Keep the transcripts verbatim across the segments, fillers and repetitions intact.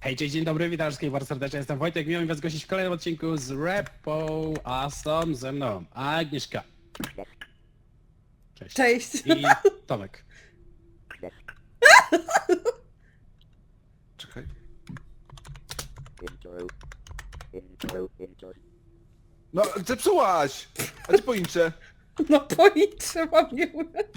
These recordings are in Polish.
Hej, cześć, dzień dobry, witam wszystkich bardzo serdecznie, jestem Wojtek, miło mi was gościć w kolejnym odcinku z Repo, a są ze mną Agnieszka. Cześć. Cześć. I Tomek. Czekaj. No, zepsułaś! A gdzie poinczę? No policzę mam nie...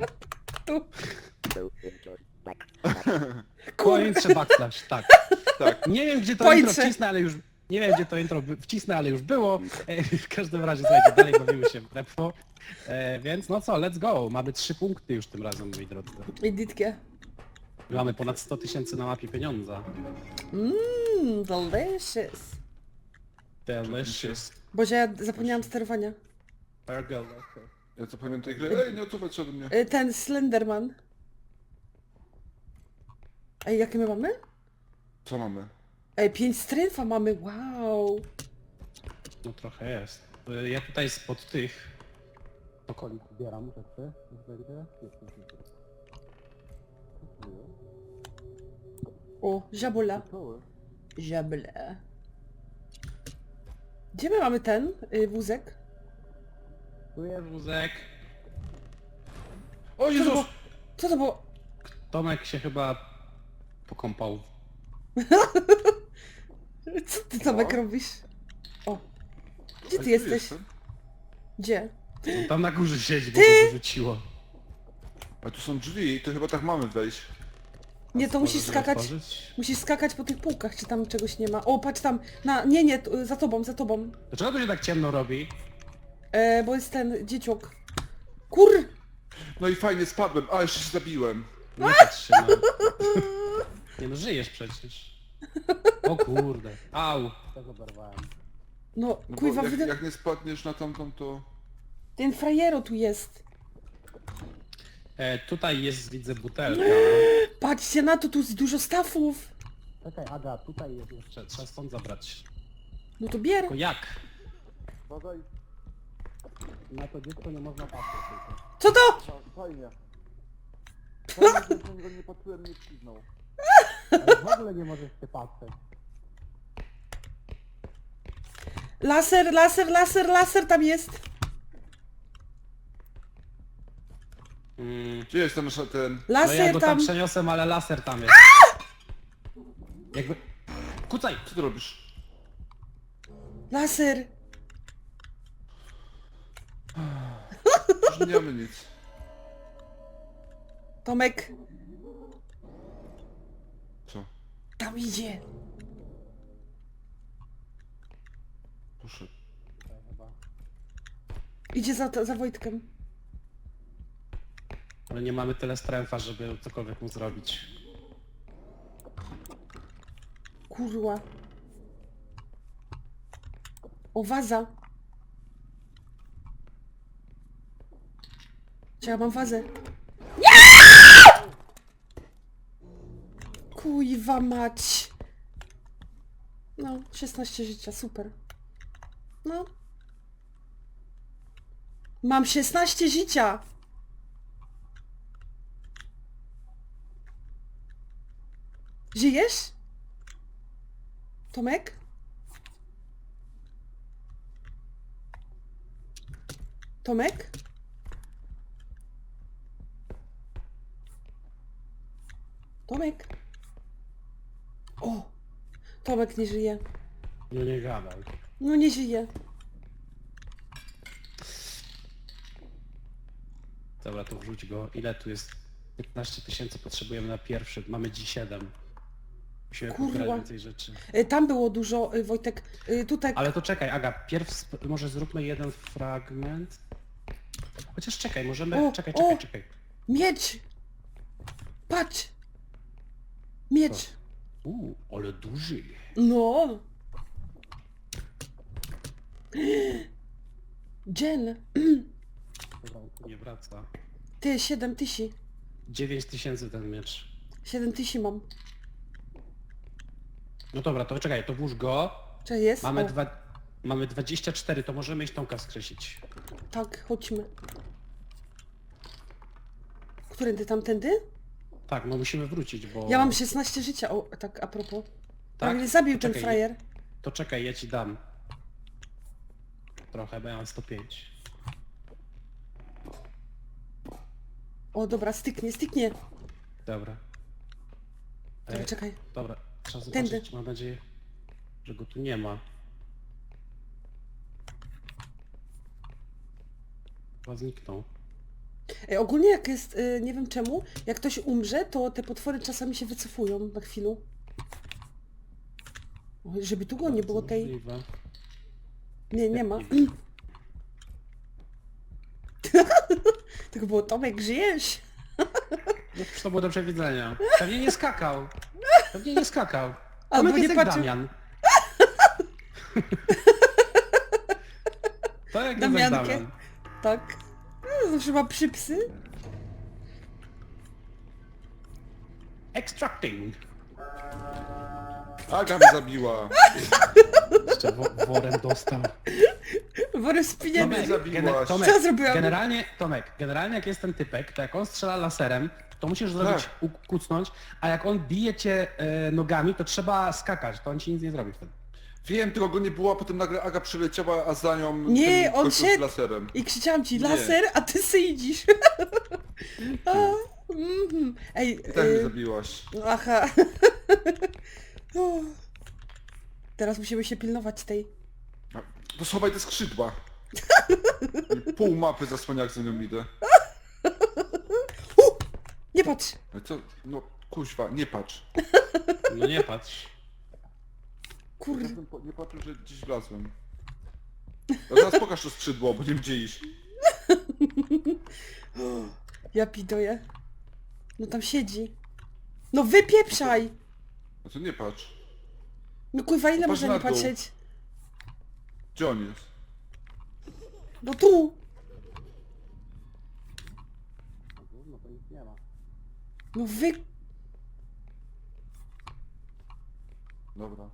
Pointrze backslash, tak. Tak. Nie wiem gdzie to Pointrze. intro wcisnę, ale już... Nie wiem gdzie to intro by- wcisnę, ale już było. E, w każdym razie, słuchajcie, dalej bawimy się w Repo. E, więc no co, let's go. Mamy trzy punkty już tym razem, moi drodzy. Editkie. Mamy ponad sto tysięcy na mapie pieniądza. Mmm, delicious. Delicious. Boże, ja zapomniałam sterowania. Burger. Ja co pamiętam tej gry? Ej, nie odsuwać się ode mnie. Y, Ten Slenderman. Ej, jakie my mamy? Co mamy? Ej, pięć strength'a mamy, wow. No trochę jest. Y, Ja tutaj spod tych okolic zbieram rzeczy. Już będzie? Jest, jest, jest. O, żabula. Żabla. Gdzie my mamy ten y, wózek? Tu jest wózek. O Co to Jezus! było? Co to było? Tomek się chyba pokąpał. Co ty Tomek No. robisz? O. Gdzie A ty tu jesteś? jestem. Gdzie? On tam na górze siedzi, bo go wyrzuciło. A tu są drzwi, to chyba tak mamy wejść. Nie, to musisz Możesz skakać. otworzyć? Musisz skakać po tych półkach, czy tam czegoś nie ma. O, patrz tam. Na, nie, nie, tu, za tobą, za tobą. Dlaczego to się tak ciemno robi? E, bo jest ten dzieciok. Kur... No i fajnie, spadłem. A, jeszcze się zabiłem. Nie patrz się na... Nie no, żyjesz przecież. O kurde. Au. Tego oberwałem. No, No bo kuźwa, jak, wyda... jak nie spadniesz na tamtą, to... ten frajero tu jest. E, tutaj jest, widzę, butelka. Patrzcie na to, tu jest dużo stafów. Czekaj, Aga, tutaj jest jeszcze. Trzeba stąd zabrać. No to bier. Tylko jak? Badaj. Na to dziecko nie można patrzeć tylko. Co to? Fajnie. Fajnie, że na niego nie patrzyłem, nie przyznał. Ale w ogóle nie możesz się patrzeć. Laser, laser, laser, laser tam jest. Mm. Gdzie jest ten nasza ten... No ja Laser go tam tam. przeniosłem, ale laser tam jest. Jakby... Kucaj! Co ty robisz? Laser. Już nie mamy nic. Tomek, Co? tam idzie. Poszedł. Idzie za, za Wojtkiem. Ale nie mamy tyle stręfa, żeby cokolwiek mu zrobić. Kurwa. O, waza. Czy ja mam wazę? Nie! Kuźwa mać. No, szesnaście życia, super. No. Mam szesnaście życia. Żyjesz? Tomek? Tomek? Tomek? O! Tomek nie żyje. No nie gadaj. No nie żyje. Dobra, to wrzuć go. Ile tu jest? piętnaście tysięcy potrzebujemy na pierwszy. Mamy dziś siedem. Musimy Kurwa. pozbierać więcej rzeczy. Y, Tam było dużo, y, Wojtek. Y, Tutaj... Ale to czekaj, Aga, pierw sp- może zróbmy jeden fragment. Chociaż czekaj, możemy... O, czekaj, o! czekaj, czekaj. Miecz! Patrz! Miecz! Uuu, ale duży. No! Jen! Dobra, on tu nie wraca. Ty, siedem tysięcy. dziewięć tysięcy ten miecz. siedem tysięcy mam. No dobra, to czekaj, to włóż go. Czy jest? Mamy O, dwa... Mamy dwadzieścia cztery, to możemy iść Tomka skreślić. tak, chodźmy. Którędy, tamtędy? Tak, no musimy wrócić, bo... Ja mam szesnaście życia, o, tak a propos. Tak mnie zabił To ten czekaj, frajer. To czekaj, ja ci dam. Trochę, bo ja mam sto pięć. O dobra, styknie, styknie. Dobra. Czekaj, E, czekaj. Dobra, trzeba Tędy. zobaczyć, mam nadzieję, że go tu nie ma. Chyba zniknął. Ej, ogólnie jak jest, y, nie wiem czemu, jak ktoś umrze, to te potwory czasami się wycofują na chwilę. Oj, żeby tu go nie Bardzo było tej... możliwe. Nie, nie ma. Tylko było Tomek, żyjesz? No już to było do przewidzenia. Pewnie nie skakał. Pewnie nie skakał. Albo Tomek nie jest jak patrzył. Damian. To jak jest jak Damiankę. Damian. Tak. No, zawsze ma przypsy. Extracting. Aga mnie zabiła. Jeszcze wo worem dostał. Worem z pieniędzy. Tomek, zabiłaś. gene- Tomek, Co zrobiłam? generalnie, Tomek, generalnie jak jest ten typek, to jak on strzela laserem, to musisz zrobić, Tak. u- kucnąć, a jak on bije cię e, nogami, to trzeba skakać, to on ci nic nie zrobi wtedy. Wiem, tylko go nie było, a potem nagle Aga przyleciała, a za nią Nie, ten on gościu z szedł. laserem. I krzyczałam ci, Nie. laser, a ty syjdzisz. A, mhm. Ej, I tak mnie y, zabiłaś. aha. O. Teraz musimy się pilnować tej. To schowaj te skrzydła. Pół mapy zasłania, jak za nią idę. U! Nie patrz! No co? No kuźwa, nie patrz. No nie patrz. Kurde. Czasem po- Nie patrzę, że gdzieś wlazłem. No teraz pokaż to skrzydło, bo nie wiem gdzie iść. Ja pidoję. No tam siedzi. No wypieprzaj! No to nie patrz. No kurwa, ile No patrz można na nie dół. patrzeć? Gdzie on jest? No tu! No to nic nie ma. No wy... Dobra.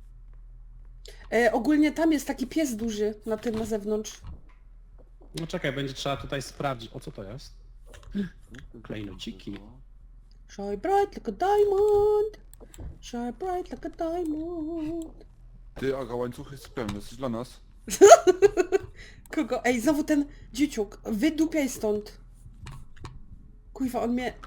E, ogólnie tam jest taki pies duży na tym na zewnątrz. No czekaj, będzie trzeba tutaj sprawdzić. O co to jest? Klejnociki. Shine bright like a diamond. Shine bright like a diamond. Ty, Aga, łańcuch jest pełny, jesteś dla nas? Kogo? Ej, znowu ten dzieciuk. Wydupiaj stąd. Kurwa, on mnie...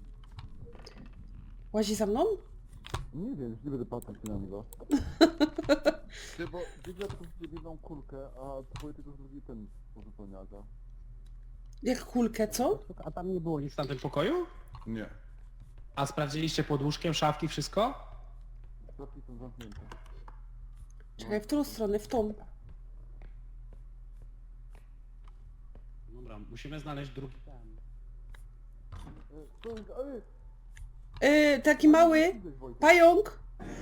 Łazi za mną? Nie wiem, nie będę patrzeć na niego. Ty, bo widzę tylko jedną kulkę, a twoje tylko drugi ten pozupełnia Aga. Jak kulkę, co? A tam nie było nic w tamtym pokoju? Nie. A sprawdziliście pod łóżkiem, szafki, wszystko? Klapki są zamknięte. Czekaj, w którą stronę? W tą. Dobra, musimy znaleźć drugi ten. Yy, taki mały pająk.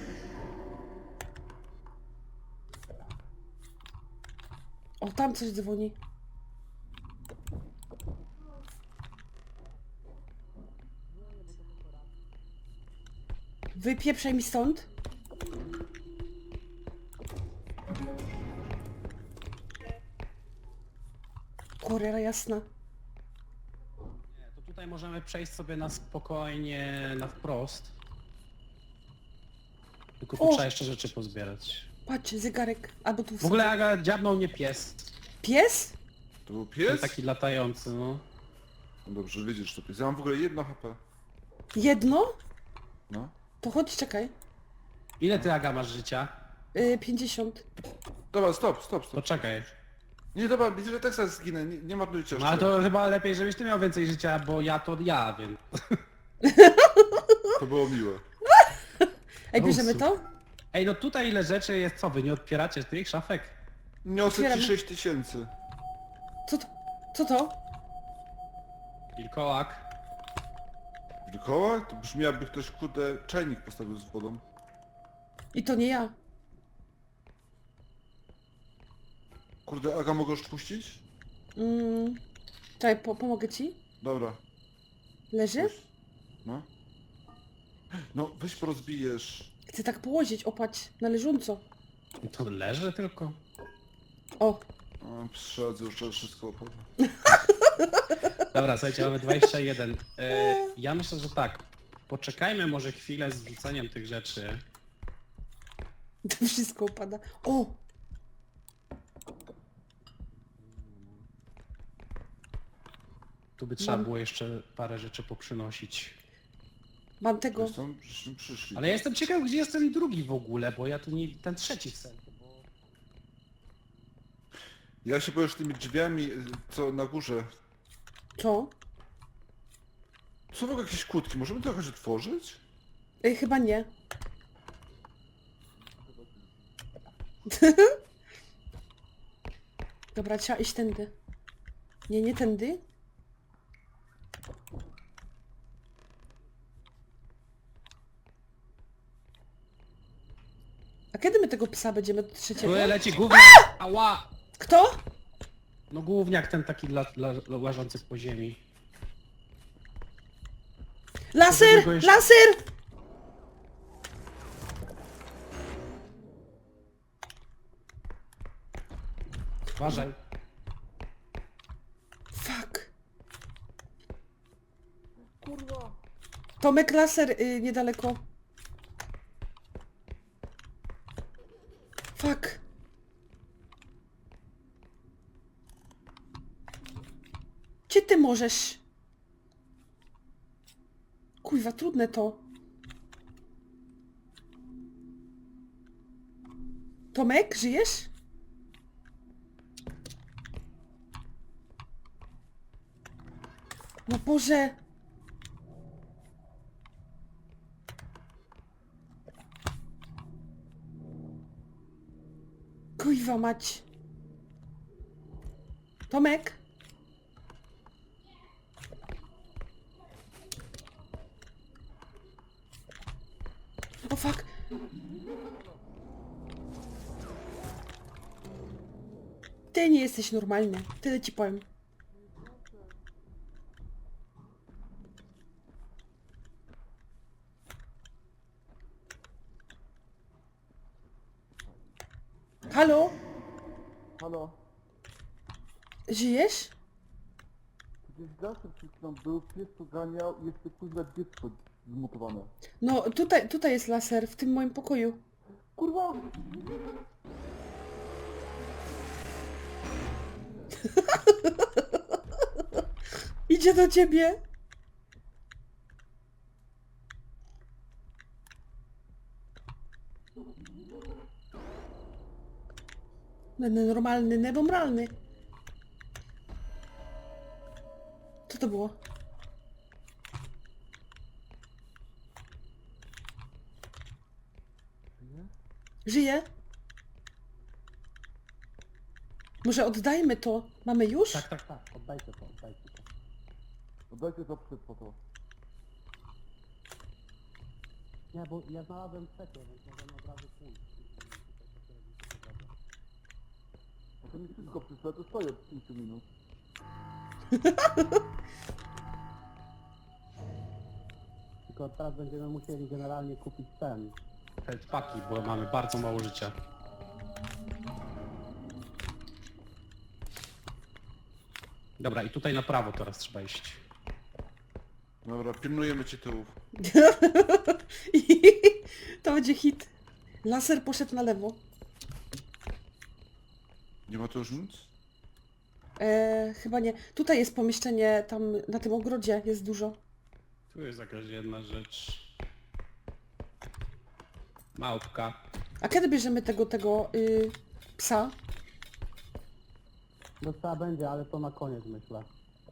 O, tam coś dzwoni. Wypieprzaj mi stąd. Kurera jasna. Nie, to tutaj możemy przejść sobie na spokojnie, na wprost. Tylko tu O! trzeba jeszcze rzeczy pozbierać. Patrz, zegarek. Albo tu W ogóle Aga, dziabnął mnie pies. Pies? To był Ten pies? taki latający, no. No dobrze, wiedzieć, że to pies. Ja mam w ogóle jedno H P. Jedno? No. To chodź, czekaj. Ile ty, Aga, masz życia? Yy, pięćdziesiąt. Dobra, stop, stop, To stop. czekaj. Nie, dobra, widzę, że tak zaraz zginę, nie, nie marnujcie No ale to chyba lepiej, żebyś ty miał więcej życia, bo ja to ja, więc... To było miłe. Ej, O, bierzemy super. to? Ej, no tutaj ile rzeczy jest, co wy nie otwieracie tych szafek? Niosę Otwieram. ci sześć tysięcy. Co to? Co to? Wilkołak. Wilkoła? To brzmi jakby ktoś, kurde, czajnik postawił z wodą. I to nie ja. Kurde, Aga, mogę już puścić? Mm. Czekaj, po pomogę ci? Dobra. Leży? Weź. No. No, weź porozbijesz. Chcę tak położyć, opatrz, na leżąco. To leży tylko. O, O, przyszedzę już to wszystko opowiem. Dobra, słuchajcie, mamy dwadzieścia jeden. E, ja myślę, że tak. Poczekajmy może chwilę z wrzuceniem tych rzeczy. To wszystko upada. O! Tu by trzeba Mam. było jeszcze parę rzeczy poprzynosić. Mam tego. Zresztą przyszli, przyszli. Ale ja jestem ciekaw, gdzie jest ten drugi w ogóle, bo ja tu nie... ten trzeci w sensie, bo... Ja się boję, że tymi drzwiami, co na górze... Co? Są w ogóle jakieś kłódki, możemy to jakoś otworzyć? Ej, chyba nie. Dobra, trzeba iść tędy. Nie, nie tędy. A kiedy my tego psa będziemy do trzeciego? Tu leci gówniak! Ała! Kto? No gówniak ten taki la, la, łażący po ziemi. Laser! go jeszcze- Laser! Uważaj. Fuck. Kurwa! Tomek, laser y, niedaleko. Fuck. Gdzie ty możesz? Kurwa, trudne to. Tomek, żyjesz? No Boże. Kurwa mać. Tomek? O fuck. Ty nie jesteś normalny. Tyle ci powiem. Halo? Halo? Żyjesz? Gdzieś zawsze przed chwilą był, pies to ganiał i jeszcze kuźwa dziecko zmutowane. No, tutaj, tutaj jest laser, w tym moim pokoju. Kurwa! Idzie do ciebie. No, no, normalny, nebomralny. Co to było? Żyje? Może oddajmy to? Mamy już? Tak, tak, tak. Oddajcie to, oddajcie to. Oddajcie to przed foto. Nie, bo ja znalazłem trzecie, więc możemy od razu pójść. A to mi wszystko przyszło, to stoję od pięciu minut. Tylko teraz będziemy musieli generalnie kupić ten. Healthpaki, bo mamy bardzo mało życia. Dobra, i tutaj na prawo teraz trzeba iść. Dobra, pilnujemy cię tyłów. To będzie hit. Laser poszedł na lewo. Nie ma tu już nic? E, chyba nie. Tutaj jest pomieszczenie, tam na tym ogrodzie jest dużo. Tu jest jakaś jedna rzecz. Małpka. A kiedy bierzemy tego, tego y, psa? No trzeba będzie, ale to na koniec myślę.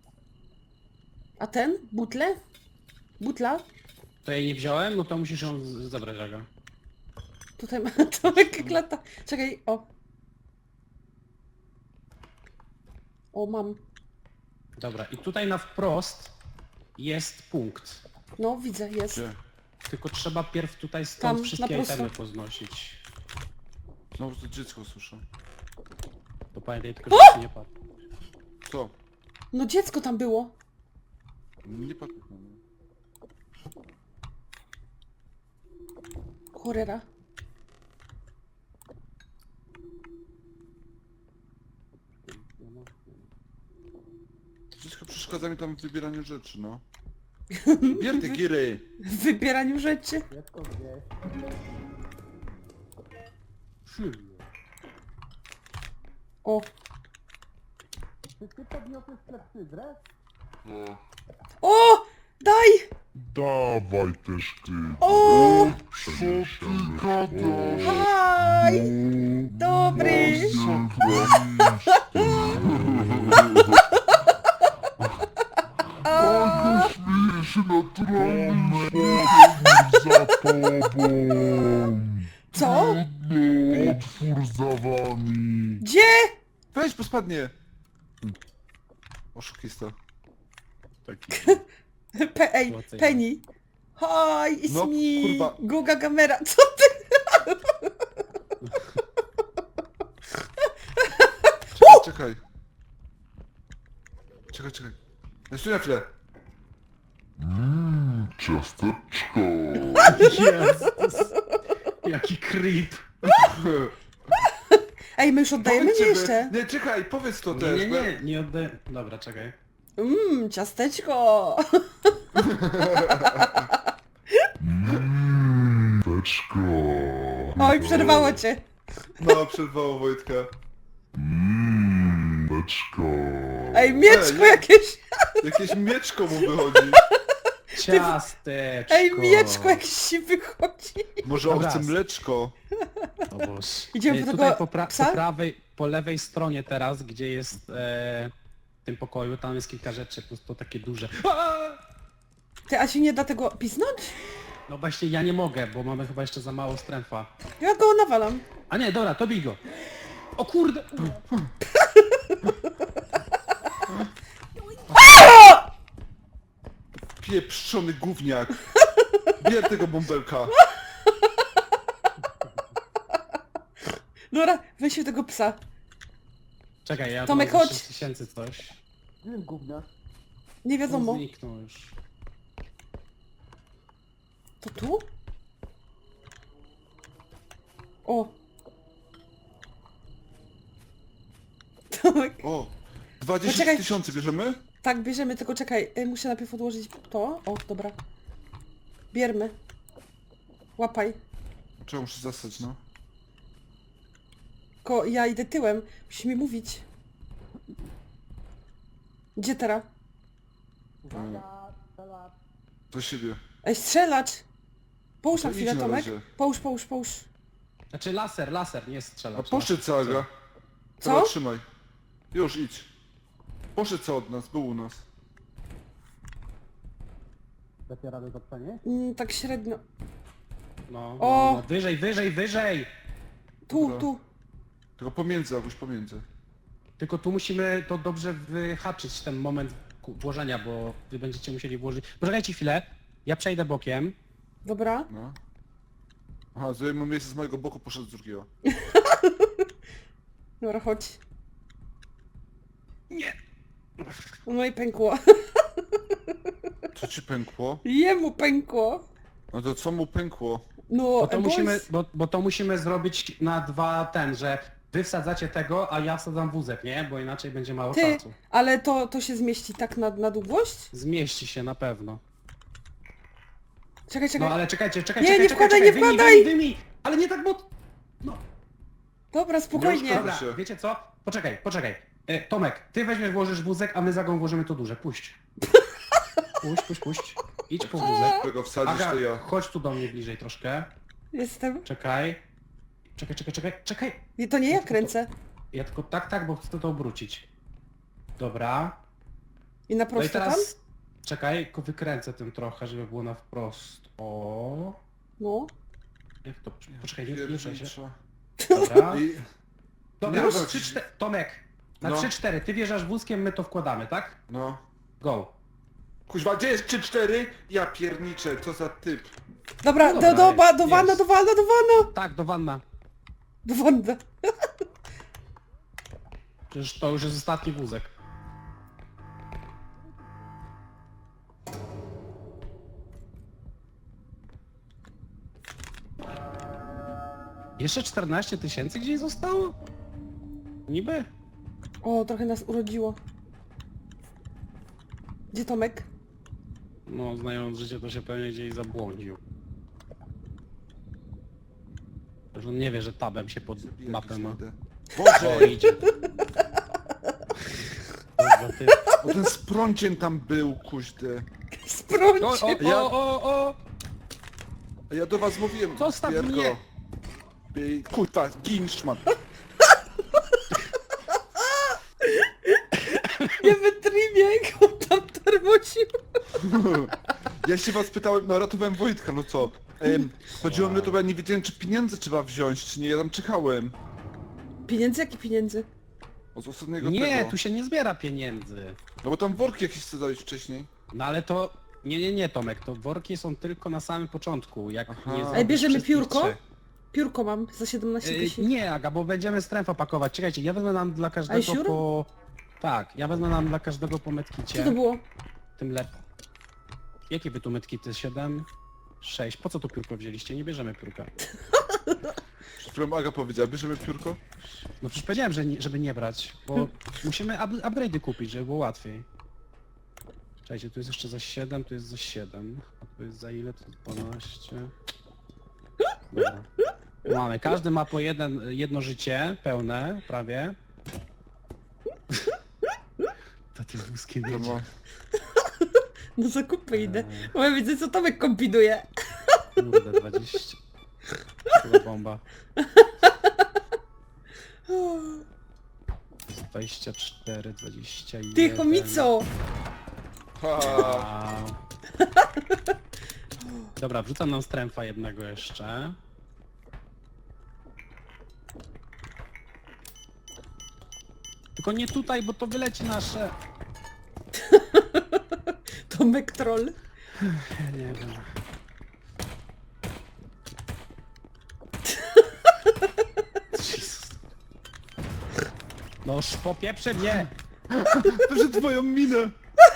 A ten? Butle? Butla? To jej nie wziąłem, no to musisz ją z- zabrać, Aga. Tutaj ma Tomek klata. Czekaj, o. O, mam. Dobra, i tutaj na wprost jest punkt. No, widzę, jest. Gdzie? Tylko trzeba pierw tutaj stąd Tam, na wszystkie prosto. itemy poznosić. Znowu to dziecko słyszę. To pamiętaj tylko, że się nie padł. Co? No dziecko tam było. Nie patrz na mnie. Cholera. Dziecko przeszkadza mi tam w wybieraniu rzeczy, no. Bier te giry! W wybieraniu rzeczy. Dziecko gdzieś. O, Czy ty podniosłeś klepsydrę? No. o, daj! Dawaj też ty. O, Co ty gadasz? haj! Dobry! A, Śmieję się naturalny za tobą. co? No, otwór za wami. Gdzie? Weź, bo spadnie! Oszukista. Taki. Pe ej, Złocenie. Penny. Hi, it's No, me. kurwa. Guga Gamera. Co ty? Czekaj, czekaj. Czekaj, czekaj. Jeszcze na chwilę. Mmm, ciasteczko. Jezus. Jaki creep. Ej, my już oddajemy? Nie Powiedz, żeby- jeszcze. Nie, czekaj, powiedz to Nie, też. nie, bo ja- nie, nie oddaję. Dobra, czekaj. Mmm, ciasteczko. Mmm, teczko. Oj, przerwało cię. No, przerwało Wojtka. Mmm, teczko. Ej, mieczko Ej, jakieś. Jakieś mieczko mu wychodzi. Ciasteczko. Ej, mieczko jakieś się wychodzi. Może on Dobra. chce mleczko. O Boże. Idziemy Ej, po tutaj tego po, pra psa? po prawej, po lewej stronie teraz, gdzie jest e, w tym pokoju, tam jest kilka rzeczy, po prostu takie duże. Ty, a się nie da tego pisnąć? No właśnie ja nie mogę, bo mamy chyba jeszcze za mało strefa. Ja go nawalam. A nie, dobra, to bij go. O kurde! Pieprzony gówniak. Bier tego bąbelka. Dobra, weźmy tego psa. Czekaj, ja Tomek, mam chodź. sześć tysięcy coś. Nie wiem, gówniak. Nie On wiadomo. zniknął już. To tu? O. Tomek. O, dwadzieścia Poczekaj. tysięcy bierzemy? Tak, bierzemy, tylko czekaj, y, muszę najpierw odłożyć to. O, dobra. Biermy. Łapaj. Trzeba muszę zasać, no. Ko, ja idę tyłem. Musisz mi mówić. Gdzie teraz? Do siebie. Ej, strzelacz! Połóż To na chwilę, idź na Tomek. razie. Połóż, połóż, połóż. Znaczy laser, laser, nie strzela. A poszedł całego. Co? Dobra, trzymaj. Już, idź. Poszedł co od nas, był u nas. Dacie radę to pchanie? Mm, tak średnio. No, no, O! no, wyżej, wyżej, wyżej! Tu, Dobra. tu. Tylko pomiędzy, Aguś, pomiędzy. Tylko tu musimy to dobrze wyhaczyć, ten moment ku- włożenia, bo wy będziecie musieli włożyć... Poczekajcie chwilę, ja przejdę bokiem. Dobra. No. Aha, zajmę miejsce z mojego boku, poszedł z drugiego. Dobra, chodź. Nie! No i pękło. Co ci pękło? Jemu pękło. No to co mu pękło? No, Bo to, boys. musimy, bo, bo to musimy zrobić na dwa ten, że wy wsadzacie tego, a ja wsadzam wózek, nie? Bo inaczej będzie mało Ty, czasu. ale to, to się zmieści tak na, na długość? Zmieści się na pewno. Czekaj, czekaj. No ale czekajcie, czekajcie, Nie, czekaj, nie czekaj, wkładaj, czekaj, nie wyjmij, wkładaj! Wyjmij, wyjmij. Ale nie tak, bo... No, Dobra, spokojnie. Dobra. dobra, się. wiecie co? Poczekaj, poczekaj. E, Tomek, ty weźmiesz, włożysz wózek, a my za go włożymy to duże. Puść. Puść, puść, puść. Idź po wózek. Którego wsadzisz, Aga, to ja. chodź tu do mnie bliżej troszkę. Jestem. Czekaj. Czekaj, czekaj, czekaj, czekaj. Nie, to nie ja kręcę. Ja tylko tak, tak, bo chcę to obrócić. Dobra. I na No i prosto tam? teraz... Czekaj, tylko wykręcę tym trochę, żeby było na wprost. O. No. Jak to... Poczekaj, nie, nie ruszaj się. Piernicza. Dobra. I... Dobra, Nie już wiem, trzy, cztery... Tomek, na No. trzy cztery, ty wjeżdżasz wózkiem, my to wkładamy, tak? No. Go. Kuźwa, gdzie jest trzy cztery? Ja pierniczę, co za typ. Dobra, No do, dobra, do, ba, jest, do wana, jest. do wana, do wana! Tak, do wanna. Do wanna. Przecież to już jest ostatni wózek. Jeszcze czternaście tysięcy gdzieś zostało? Niby? O, trochę nas urodziło. Gdzie Tomek? No, znając życie, to się pewnie gdzieś zabłądził. Że on nie wie, że tabem się pod mapę ma. Idę. O, Boże! idzie. Kurwa, ty. Bo ten sprącien tam był, kuźdy. Sprąć! O, o, Ja- o, o, o! A ja do was mówiłem, Zostaw Pierko. mnie. Bij- Kurwa, gin, szmat. Nie wytrimie, jak on tam termocił. Ja się was pytałem, no ratowałem Wojtka, no co? Em, chodziło o mnie to, bo ja nie wiedziałem, czy pieniądze trzeba wziąć, czy nie, ja tam czekałem. Pieniędzy? Jakie pieniędzy? Od ostatniego Nie, tego. tu się nie zbiera pieniędzy. No bo tam worki jakieś chcę dać wcześniej. No ale to... Nie, nie, nie Tomek, to worki są tylko na samym początku, jak Aha. nie Ej, zrobisz bierzemy wszystkich piórko? trzech. Piórko mam za siedemnaście Yy, tysięcy. nie, Aga, bo będziemy strefę pakować. Czekajcie, ja wezmę nam dla każdego siur? po... Tak, ja wezmę nam dla każdego po Co medkicie. to było? Tym lepiej. Jakie wy tu medkity? siedem? sześć. Po co tu piórko wzięliście? Nie bierzemy piórka. Przed chwilą Aga powiedziała, bierzemy piórko? No przecież powiedziałem, że nie, żeby nie brać, bo musimy up upgrade'y kupić, żeby było łatwiej. Czekajcie, tu jest jeszcze za siedem, tu jest za siedem. A tu jest za ile? To jest dwanaście. Dobra. Mamy, każdy ma po jeden, jedno życie, pełne, prawie. To tym wózkiem No, jedzie. no. No zakupy idę. Eee. Bo ja widzę, co Tomek kombinuje. Kurde, dwadzieścia. Chyba bomba. dwadzieścia cztery, dwadzieścia jeden. Ty chomico! Ha, Wow. Dobra, wrzucam nam stręfa jednego jeszcze. Tylko nie tutaj, bo to wyleci nasze. Tomek troll. Ja nie wiem. Jezus. No już popieprze mnie! Proszę twoją minę!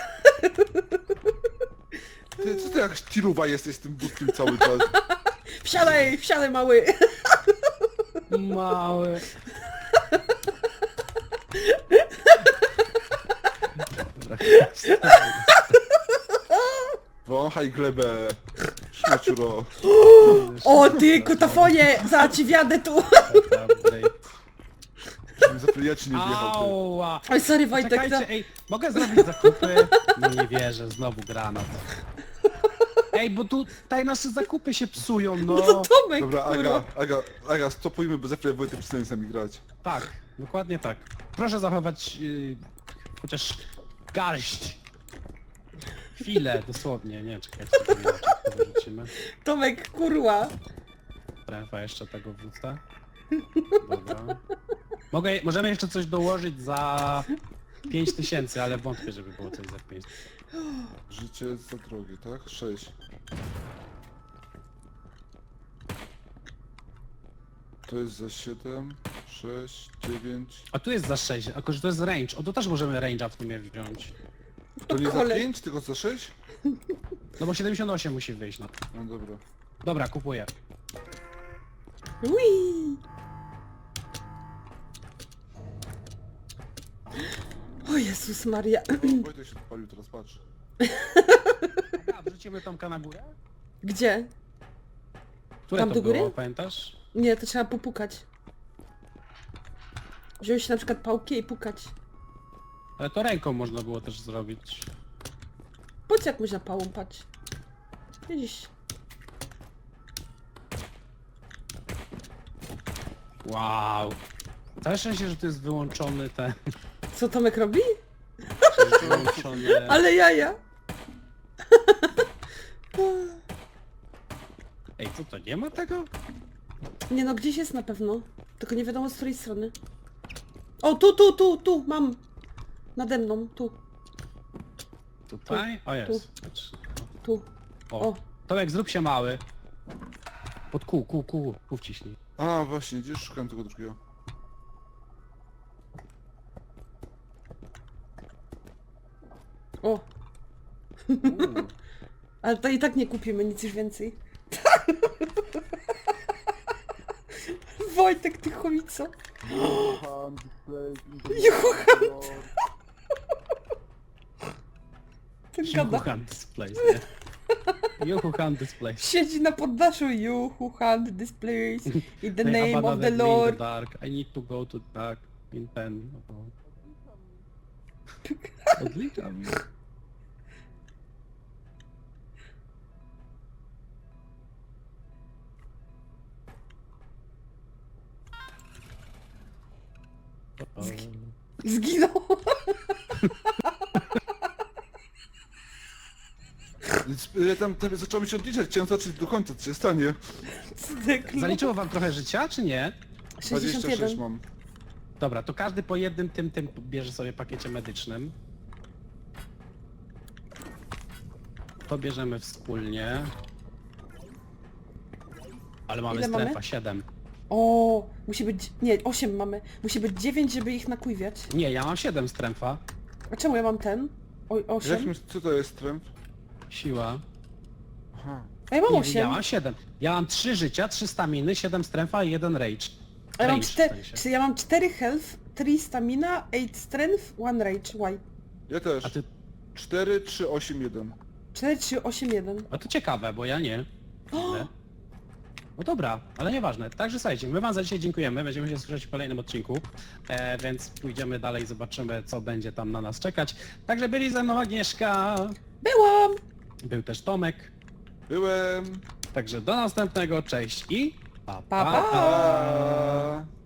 Ty, co ty jak tiruwa jesteś z tym wózkiem cały czas? Wsiadaj, wsiadaj mały. Mały. Dobra, Wąchaj glebę. Śmieciuro. O ty, kutafonie! Za ci wjadę tu. Żebym za ja ci nie wjechał. ty. Ała! Oj, sorry Wojtek, to... Czekajcie, ej, mogę zrobić zakupy? No nie wierzę, znowu granat. Ej, bo tu tutaj nasze zakupy się psują, No no. to Tomek, Dobra, kurwa. Aga, Aga, Aga, stopujmy, bo za chwilę Wojtek przestanie z nami grać. Tak, dokładnie tak. Proszę zachować yy, chociaż garść. Chwilę, dosłownie, nie, czekajcie, to nie, to wyrzucimy. Tomek, kurwa. Trefa jeszcze tego wódca. Dobra. Mogę, możemy jeszcze coś dołożyć za pięć tysięcy, ale wątpię, żeby było coś za pięć. Życie jest za drogie, tak? sześć. To jest za siedem, sześć, dziewięć. A tu jest za sześć, a że to jest range. O, to też możemy range'a w sumie wziąć. To nie za Kole- pięć, tylko za sześć? No bo siedemdziesiąt osiem musi wyjść, no. No dobra. Dobra, kupuję. Ui. O Jezus Maria. O, Wojtek się odpalił, teraz patrz. A, wrzucimy Tomka na górę? Gdzie? Które Tam to do góry? było, pamiętasz? Nie, to trzeba popukać. Wziąć na przykład pałkę i pukać. Ale to ręką można było też zrobić. Po co jak można pałą pać? Widzisz? Wow. Całe szczęście, że to jest wyłączony ten... Co Tomek robi? Wyłączony... Ale jaja! Ej, co to, nie ma tego? Nie no, gdzieś jest na pewno. Tylko nie wiadomo z której strony. O, tu, tu, tu, tu, mam. Nade mną, tu, Tutaj? O, jest. Patrz. tu. O. O. Tomek, zrób się mały. Pod kół, kół, kół, kół wciśnij. A, właśnie, gdzieś szukałem tego drugiego. O. Uuu. Ale to i tak nie kupimy nic już więcej. Wojtek, ty chomico. Johan, display, Johan. Ten gada. Juchan Displays, nie? You who hunt this place. Siedzi na poddaszu. You who hunt this place in the They name of the abandoned me in Lord. the dark. I need to go to dark in ten. Odliczam. O, Zginął. Więc ja tam, tam zacząłem mi się odliczać, chciałem zobaczyć do końca, co się stanie. Cydeklu. Zaliczyło wam trochę życia, czy nie? dwadzieścia sześćdziesiąt sześć jeden. mam. Dobra, to każdy po jednym tym tym bierze sobie pakiecie medycznym. To bierzemy wspólnie. Ale mamy Ile strefa mamy? siedem. O, musi być... Nie, osiem mamy. Musi być dziewięć, żeby ich nakujwiać. Nie, ja mam siedem strefa. A czemu ja mam ten? O, Jak osiem? myśl, co to jest tręb? Siła. Aha. A ja mam Nie, ja osiem. mam siedem. Ja mam trzy życia, trzy staminy, siedem strefa i jeden rage. A ja mam, Rage w cztery, sensie. czy ja mam cztery health, trzy stamina, osiem strength, jeden rage. Why? Ja też. A ty... cztery, trzy, osiem, jeden. cztery, trzy, osiem, jeden. A to ciekawe, bo ja nie. Widzę. No dobra, ale nieważne. Także słuchajcie, my wam za dzisiaj dziękujemy, będziemy się słyszeć w kolejnym odcinku, e, więc pójdziemy dalej, zobaczymy co będzie tam na nas czekać. Także byli ze mną Agnieszka, Byłam! był też Tomek, Byłem. także do następnego, cześć i pa Pa, pa. A...